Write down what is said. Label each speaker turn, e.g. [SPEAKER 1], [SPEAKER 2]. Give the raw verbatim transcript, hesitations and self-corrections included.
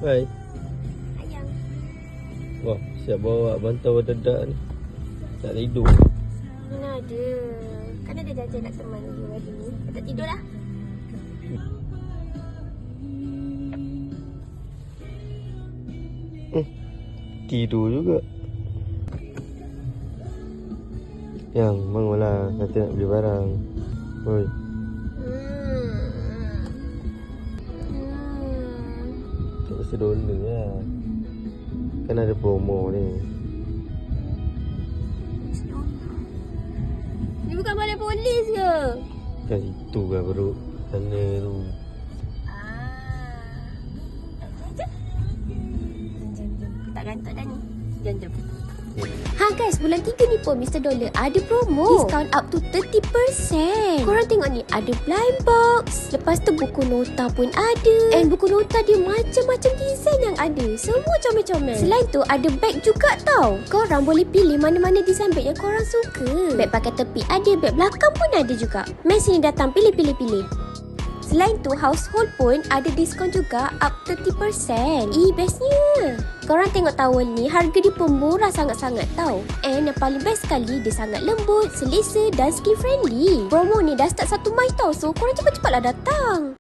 [SPEAKER 1] Hai.
[SPEAKER 2] Ayang.
[SPEAKER 1] Wah, siap bawa bantal dedak ni. Tak tidur.
[SPEAKER 2] Mana ada. Kan ada janji nak teman you hari ni. Tak tidur lah.
[SPEAKER 1] Hmm. Tidur juga. Yang, bangunlah. Kata nak beli barang. Oi.
[SPEAKER 2] Hmm. Hmm.
[SPEAKER 1] Tak usah dolar lah. Kan ada promo ni.
[SPEAKER 2] Ni bukan balai polis ke?
[SPEAKER 1] Kan itu kan bro. Sana tu.
[SPEAKER 2] Ah. Jom, jom, jom. Tak gantuk dah ni. Jom, jom. Ha guys, bulan tiga ni pun Mister Dollar ada promo diskaun up to thirty percent. Korang tengok ni, ada blind box. Lepas tu buku nota pun ada. And buku nota dia macam-macam design yang ada. Semua comel-comel. Selain tu ada bag juga tau. Korang boleh pilih mana-mana design bag yang korang suka. Bag pakai tepi ada, bag belakang pun ada juga. Main sini datang, pilih-pilih-pilih. Selain tu, household pun ada diskaun juga up thirty percent. Eh, bestnya. Korang tengok towel ni, harga dia pun murah sangat-sangat tau. And yang paling best sekali, dia sangat lembut, selesa dan skin friendly. Promo ni dah start satu Mei tau, so korang cepat-cepatlah datang.